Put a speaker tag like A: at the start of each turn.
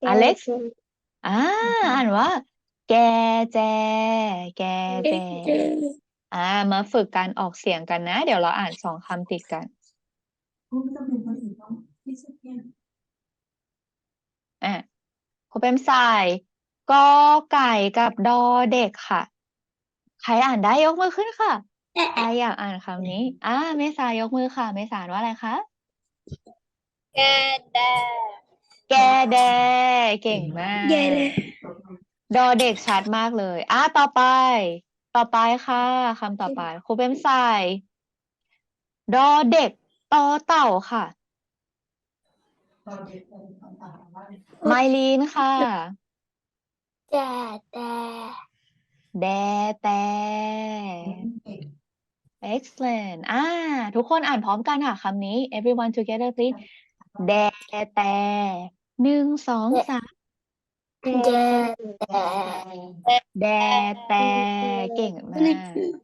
A: อเล็กซ์อ่าอ่านว่า แกแจ แกแจอ่ามาฝึกการออกเสียงกันนะ เดี๋ยวเราอ่าน2 คำติดกัน
B: ไม่ต้องเป็นคนอื่นต้องที่สุดเนี่ย
A: อ่ะคุณเป็นสายกอไก่กับดอเด็กค่ะ ใครอ่านได้ยกมือขึ้นค่ะใครอยากอ่านคำนี้เมษายกมือค่ะเมษาอ่านว่าอะไรคะ
C: แกแด
A: แกแดเก่งมา
C: แย่เล
A: ก
C: ย
A: ดอเด็กชัดมากเลยต่อไป ต่อไปค่ะคำต่อไปครูเป็นสายดอเด็กต่อเต่าค่ะ
B: ตอนเด็กตอนต่างๆว่า
A: ไมลีนค่ะ
C: แจแด
A: แดแต่
B: เก่ง
A: excellent ทุกคนอ่านพร้อมกันค่ะคำนี้ everyone together please แดแต่1 2 3แด
C: แย่
A: แดแต่เก่งมาก